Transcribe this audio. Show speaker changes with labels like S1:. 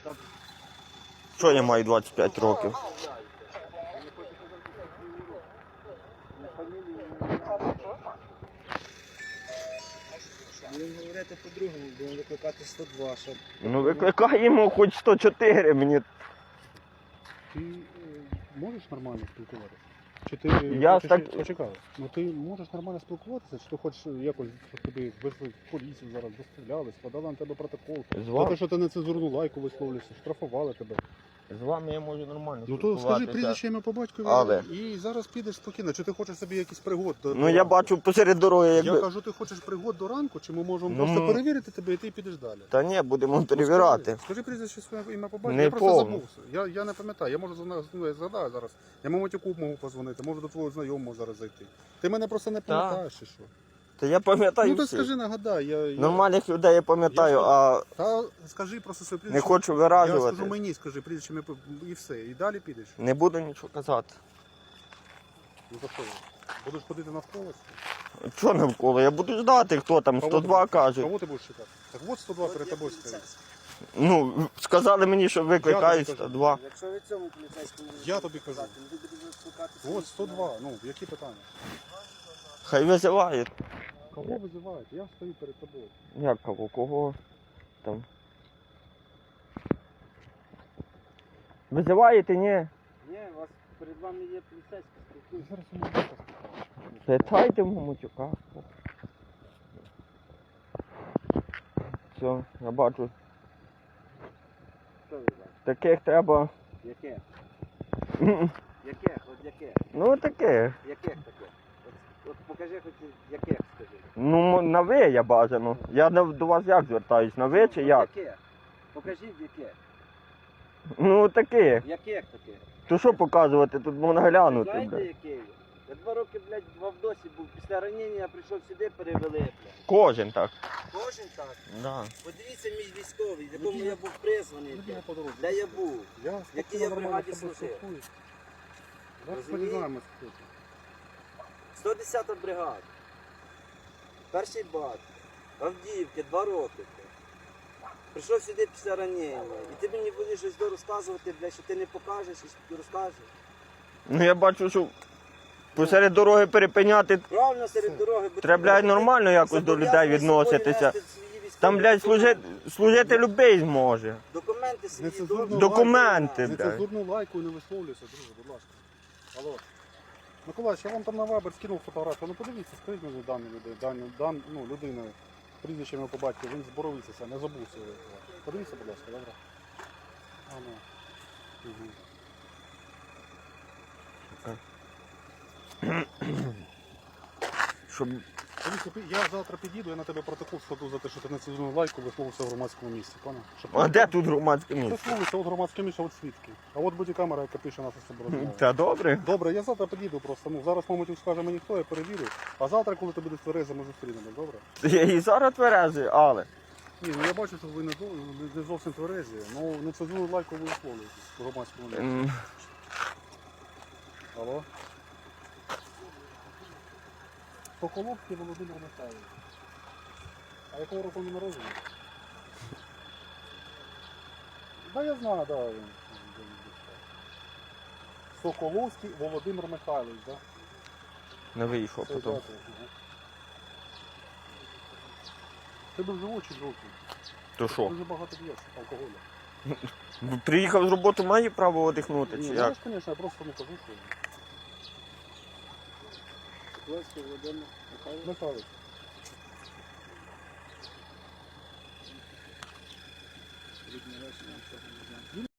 S1: Що я маю 25 років?
S2: Будемо говорити по-другому, будемо викликати 102, щоб...
S1: Ну викликаємо хоч 104 мені.
S3: Ти можеш нормально спілкуватися? Чи ти
S1: Я
S3: хочеш...
S1: так-
S3: Почекай. Ну ти можеш нормально спілкуватися, чи ти хочеш якось, щоб тобі вийшли в поліцію зараз, доставляли, складали на тебе протокол?
S1: З
S3: За
S1: вами,
S3: те, що ти нецензурну лайку висловлюєшся, штрафували тебе.
S1: з вами я можу нормально
S3: Ну то скажи
S1: спілкуватися.
S3: прізвище ім'я по батькові
S1: Але-
S3: і зараз підеш спокійно. Чи ти хочеш собі якийсь пригод?
S1: Ну я бачу посеред дороги,
S3: Я
S1: якби...
S3: кажу, ти хочеш пригод до ранку, чи ми можемо
S1: Ну,
S3: просто перевірити тебе і ти підеш далі?
S1: Та ні, будемо
S3: Ну,
S1: перевіряти.
S3: Скажи прізвище своє ім'я по батькові.
S1: Не
S3: Я просто
S1: повно.
S3: забувся. Я не пам'ятаю. Я можу я згадаю зараз. Я Мамотяку можу позвонити, можу до твого знайомого зараз зайти. Ти мене просто не пам'ятаєш чи що?
S1: Та я пам'ятаю
S3: Ну то
S1: всіх.
S3: скажи, нагадай.
S1: Нормальних людей я пам'ятаю,
S3: Я-
S1: а
S3: Та скажи просто своє
S1: не
S3: прізвище.
S1: хочу
S3: Я
S1: виражувати.
S3: скажу мені, скажи прізвище ім'я і все. І далі підеш.
S1: Не буду нічого казати.
S3: Ну то що? Будеш ходити навколо?
S1: Що навколо? Я буду ждати, хто там, 102 каже.
S3: Кого ти будеш чекати? Так от 102 перед тобою стоїть.
S1: Ну, сказали мені, що викликають
S3: Я тобі кажу.
S1: 102.
S2: Якщо ви цьому поліцейському не
S3: Я тобі кажу.
S2: сказати, ви будете викликати
S3: От 102. Ну, які питання?
S1: Хай визивають.
S3: Кого визивають? Я стою перед тобою.
S1: Як кого? Кого там? Визиваєте, ні?
S2: Ні, у вас перед вами є поліцейський спілкується.
S3: Зараз у мене спитаю.
S1: Питайте Мамотяка. Все, я бачу.
S2: Що ви бачите?
S1: Таких треба.
S2: Яке?
S1: Ну,
S2: Яке? От яке?
S1: таких.
S2: Яких таке? От покажи хоч яких, скажи.
S1: Ну, на ви я бажано. Я до вас як звертаюсь? На ви чи
S2: От
S1: як?
S2: Яке? Покажіть яке.
S1: Ну, таких.
S2: Яких таке?
S1: То що показувати? Тут можна глянути,
S2: Знаєте,
S1: бля.
S2: яке? Я 2 роки, блядь, в Авдосі був. Після ранення я прийшов сюди, перевели, блядь.
S1: Кожен так.
S2: Кожен так.
S1: Да.
S2: Подивіться мій військовий, в якому я був призваний.
S3: Людина
S2: блядь.
S3: по дорозі.
S2: Де я був?
S3: Я
S2: Якій
S3: спокійно,
S2: я
S3: нормально
S2: бригаді
S3: з тобою
S2: служив?
S3: спілкуюсь. Зараз
S2: Розумієте?
S3: подізнаємося, хто ти.
S2: 110-та бригада. Перший бат. Авдіївки, 2 роки. Прийшов сюди після ранення. І ти мені будеш щось розказувати, блядь, що ти не покажеш, і що ти розкажеш.
S1: Ну я бачу, що посеред дороги перепиняти.
S2: Правильно серед дороги. бо
S1: Треба,
S2: ти,
S1: блядь,
S2: ти
S1: нормально якось до людей
S2: зобов'язаний з собою
S1: відноситися.
S2: нести свої військові
S1: Там, блядь,
S2: документи.
S1: служити любий зможе.
S2: Документи свої.
S3: Нецензурну
S2: добре.
S1: Документи.
S3: лайку- Нецензурну лайку не висловлюйся, друже, будь ласка. Алло. Миколаївич, я вам там на Viber скинув фотографію. Ну подивіться, скажіть мені дані людей, людина, прізвище ім'я по батьку, він з Боровиця, не забувся. Подивіться, будь ласка, добре? А, ну. Угу.
S1: Щоб...
S3: Дивіться, я завтра підійду, я на тебе протокол складу за те, що ти нецензурну лайку висловився в громадському місці, понял?
S1: А де тут громадське місце?
S3: Висловився, от громадське місце, от свідки. А от буде камера, яка пише нас з собою.
S1: Та добре.
S3: Добре, я завтра підійду просто. Ну, зараз мабуть скаже мені хто, я перевірю. А завтра, коли ти будеш тверезий, ми зустрінемось, добре?
S1: Я і зараз тверезий, але.
S3: Ні, ну я бачу, що ви не зовсім тверезі. Ну, нецензурну лайку ви висловлюєте в громадському місці. Алло? Соколовський Володимир Михайлович. А якого року він народжений? Да, я знаю, да. Соколовський Володимир Михайлович, да?
S1: Не вийшов
S3: Це
S1: потім.
S3: дата, ага. Ти був живучий жовтий.
S1: То що?
S3: Дуже багато п'єш алкоголю.
S1: Приїхав з роботи, має право одихнути, чи
S3: Ні,
S1: як?
S3: знаєш, звісно, я просто не кажу, що...
S2: Соколовський Володимир Михайлович.
S3: Михайлович.
S2: Рідне речення, нічого не знаю.